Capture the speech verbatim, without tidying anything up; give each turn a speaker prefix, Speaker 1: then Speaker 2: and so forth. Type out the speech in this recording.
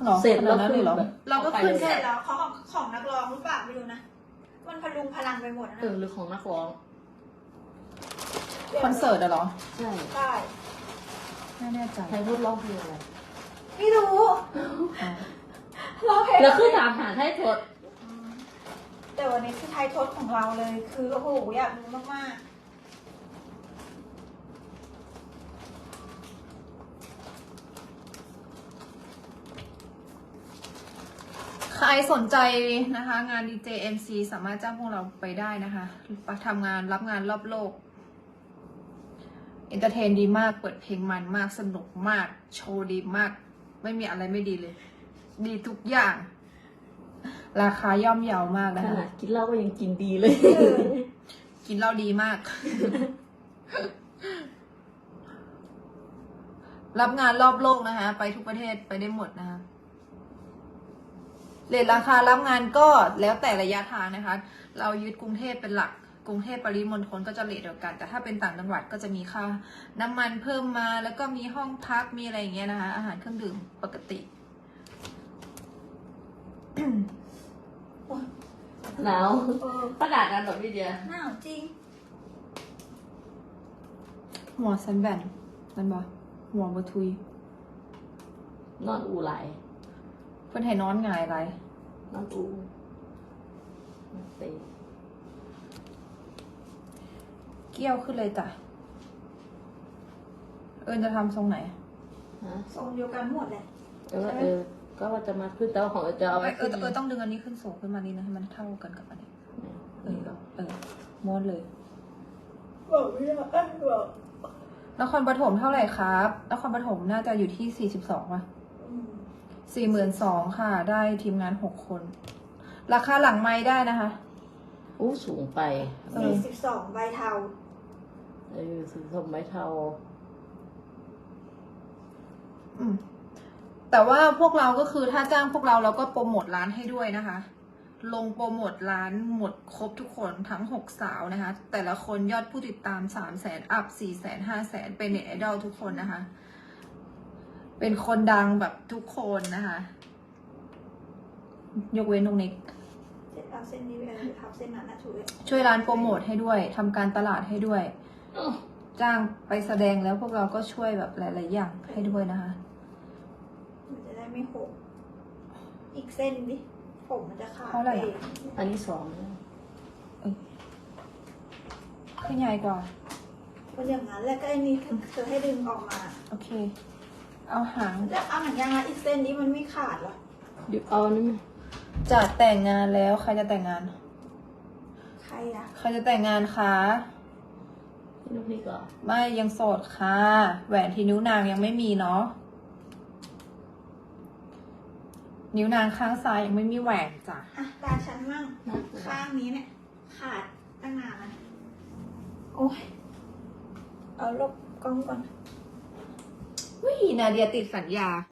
Speaker 1: หรอ
Speaker 2: เสร็จแล้ว
Speaker 1: ขนาดนั้นเลยเหรอ
Speaker 2: แบบ
Speaker 1: เราก็ขึ้น
Speaker 3: เสร็
Speaker 1: แค่
Speaker 3: จแล้วของของของนักร้องหรือเปล่าไม่รู้นะมันพลุงพลังไปหมดนะ
Speaker 2: เออหรือของนักร้อง
Speaker 1: คอนเสิร์ตอะเหรอ
Speaker 2: ใช่
Speaker 3: ใช่
Speaker 1: ไม่แน่ใจ
Speaker 2: ใครพูดร้องเพลงอะไร
Speaker 3: ไม่รู้
Speaker 1: อ๋อ
Speaker 3: ร้องเพลง
Speaker 2: แล้วคือถามหาให้ทด
Speaker 3: อืมแต่วันนี้คือไทยทศของเราเลย คือโอ้โหอยากรู้มาก
Speaker 1: ใครสนใจนะคะ งาน ดี เจ เอ็ม ซี สามารถจ้างพวกเราไปได้นะคะทำงานรับงานรอบโลกเอนเตอร์เทนดีมาก เปิดเพลงมันมากสนุกมาก โชว์ดีมาก ไม่มีอะไรไม่ดีเลย ดีทุกอย่าง ราคาย่อมเยาวมาก
Speaker 2: ข
Speaker 1: นะคะ
Speaker 2: นาดกินเหล้าก็ยังกินดีเลย
Speaker 1: กินเหล้าดีมาก รับงานรอบโลกนะคะ ไปทุกประเทศไปได้หมดนะคะเรทราคารับงานก็แล้วแต่ระยะทางนะคะ เรายึดกรุงเทพเป็นหลัก กรุงเทพปริมณฑลก็จะเรทเดียวกัน แต่ถ้าเป็นต่างจังหวัดก็จะมีค่าน้ำมันเพิ่มมา แล้วก็มีห้องพัก มีอะไรอย่างเงี้ยนะคะ อาหารเครื่องดื่มปกติ
Speaker 2: หนาว
Speaker 3: ๆเออ
Speaker 2: ประกาศกันแบบพี่เดีย
Speaker 3: หนาวจริง
Speaker 1: หัวสันแบนนั่นบ่หัวบทุย
Speaker 2: นอนอูไหล
Speaker 1: เพื่อนให้นอนหงายไร
Speaker 2: นอนอูนอนเตะ
Speaker 1: เกี้ยวขึ้นเลยจ้ะ เอิญจะทำทรงไหน
Speaker 2: ฮะ
Speaker 3: ทรงเดียวกันหมดเลย
Speaker 2: แต่ว่าเออ ก็ว่าจะมาขึ้นแต่ว่าของเออจะเอาไว้
Speaker 1: เอ
Speaker 2: ขึ้
Speaker 1: อน เออต้องดึงอันนี้ขึ้นสูงขึ้นมานิดนะให้มันเท่ากันกับอันนี้ เออเออม้วนเลย
Speaker 3: บอกไม่ได้เอ้ยบอก
Speaker 1: นครปฐมเท่าไหร่ครับ นครปฐมน่าจะอยู่ที่สี่สิบสองป่ะ
Speaker 3: อืม
Speaker 1: สี่หมื่นสองค่ะ ได้ทีมงานหกคน ราคาหลังไม้ได้นะคะ
Speaker 2: อู้สูงไป
Speaker 1: เออ
Speaker 3: สี่สิบสองใบเทา
Speaker 2: เออสีส้มไม้เทา
Speaker 1: อืม แต่ว่าพวกเราก็คือถ้าจ้างพวกเราเราก็โปรโมทร้านให้ด้วยนะคะ ลงโปรโมทร้านหมดครบทุกคนทั้งหกสาวนะคะ แต่ละคนยอดผู้ติดตามสามแสนอัพสี่แสนห้าแสนเป็นเน็ตไอดอลทุกคนนะคะ เป็นคนดังแบบทุกคนนะคะ ยกเว้นตรงนี้
Speaker 3: เส้นเอาเส้นนี้ไปเลยทับเส้นนั้นนะช่วย
Speaker 1: ช่วยร้านโปรโมทให้ด้วยทำการตลาดให้ด้วย จ้างไปแสดงแล้วพวกเราก็ช่วยแบบหลาย ๆ อย่างให้ด้วยนะคะ
Speaker 3: มันจะได้ไม่หกอีกเส้นดิผมมันจะขาด
Speaker 1: เท่าไหร่
Speaker 3: ไป
Speaker 1: อะ
Speaker 2: อันนี้สอง
Speaker 1: ขึ้นใหญ่กว่า
Speaker 3: มันอย่างนั้นแล้วก็ไอ้นี่เธอให้ดึงออกมา
Speaker 1: โอเค เอาหาง
Speaker 3: แล้วเอาหนังยางรัดอีกเส้นนี้มันไม่ขาดเหรอ
Speaker 2: เดี๋ยวเอานี่ไหม
Speaker 1: จะแต่งงานแล้วใครจะแต่งงาน
Speaker 3: ใครอะ
Speaker 1: ใครจะแต่งงานคะ
Speaker 2: พี่ลูกพี่ก่อน
Speaker 1: ไม่ยังโสดค่ะ แหวนที่นิ้วนางยังไม่มีเนาะ นิ้วนางข้างซ้ายยังไม่มีแหวนจ้ะ
Speaker 3: อ่ะตาฉันมั่ง
Speaker 2: นะ
Speaker 3: ข้างนี้เนี่ย ขาดตั้งนานแล้วนะโอ้ยเอาลบกล้องก่อน
Speaker 1: วินาเดียติดสัญญา